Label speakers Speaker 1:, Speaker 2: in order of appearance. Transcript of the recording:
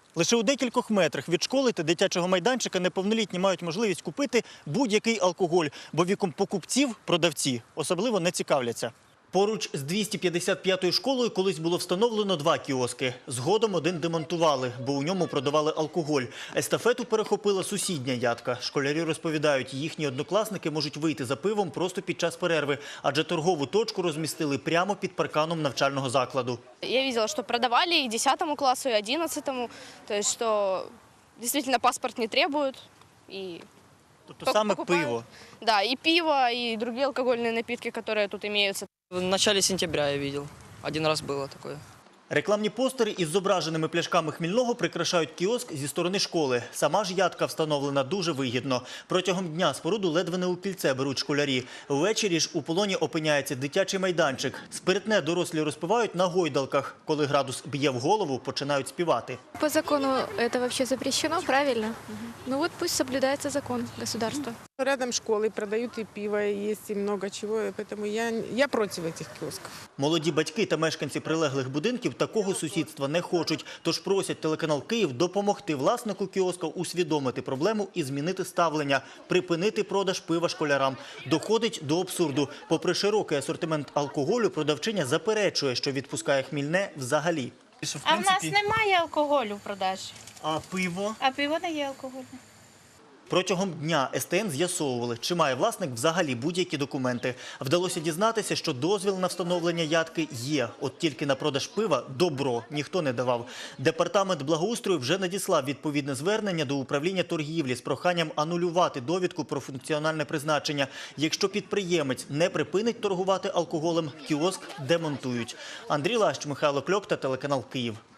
Speaker 1: Лише у декількох метрах від школи та дитячого майданчика неповнолітні мають можливість купити будь-який алкоголь, бо віком покупців продавці особливо не цікавляться. Поруч з 255-ю школою колись було встановлено 2 кіоски. Згодом один демонтували, бо у ньому продавали алкоголь. Естафету перехопила сусідня ядка. Школярі розповідають, їхні однокласники можуть вийти за пивом просто під час перерви, адже торгову точку розмістили прямо під парканом навчального закладу.
Speaker 2: Я видела, что продавали и 10 классу, и 11, то есть что действительно паспорт не требуют. И
Speaker 1: Тобто саме
Speaker 2: покупают.
Speaker 1: пиво.
Speaker 2: Да, и пиво, и другие алкогольные напитки, которые тут имеются.
Speaker 3: В начале сентября я видел. Один раз было такое.
Speaker 1: Рекламні постери із зображеними пляшками Хмільного прикрашають кіоск зі сторони школи. Сама ж ядка встановлена дуже вигідно. Протягом дня споруду ледве не у пільце беруть школярі. Ввечері ж у полоні опиняється дитячий майданчик. Спиртне дорослі розпивають на гойдалках. Коли градус б'є в голову, починають співати.
Speaker 4: По закону это вообще запрещено, правильно? Ну вот пусть соблюдается закон государства.
Speaker 5: Рядом школы продают и пиво, и есть и много чего, поэтому я против этих киосков.
Speaker 1: Молоді батьки та мешканці прилеглих будинків такого сусідства не хочуть. Тож просять телеканал «Київ» допомогти власнику кіоска усвідомити проблему і змінити ставлення, припинити продаж пива школярам. Доходить до абсурду. Попри широкий асортимент алкоголю, продавчиня заперечує, що відпускає хмільне взагалі.
Speaker 6: А в нас немає алкоголю в продажі,
Speaker 1: А пиво?
Speaker 6: а пиво не є алкогольне.
Speaker 1: Протягом дня СТН з'ясовували, чи має власник взагалі будь-які документи. Вдалося дізнатися, що дозвіл на встановлення ядки є. От тільки на продаж пива добро ніхто не давав. Департамент благоустрою вже надіслав відповідне звернення до управління торгівлі з проханням анулювати довідку про функціональне призначення. Якщо підприємець не припинить торгувати алкоголем, кіоск демонтують. Андрій Лащ, Михайло Кльопта, телеканал «Київ».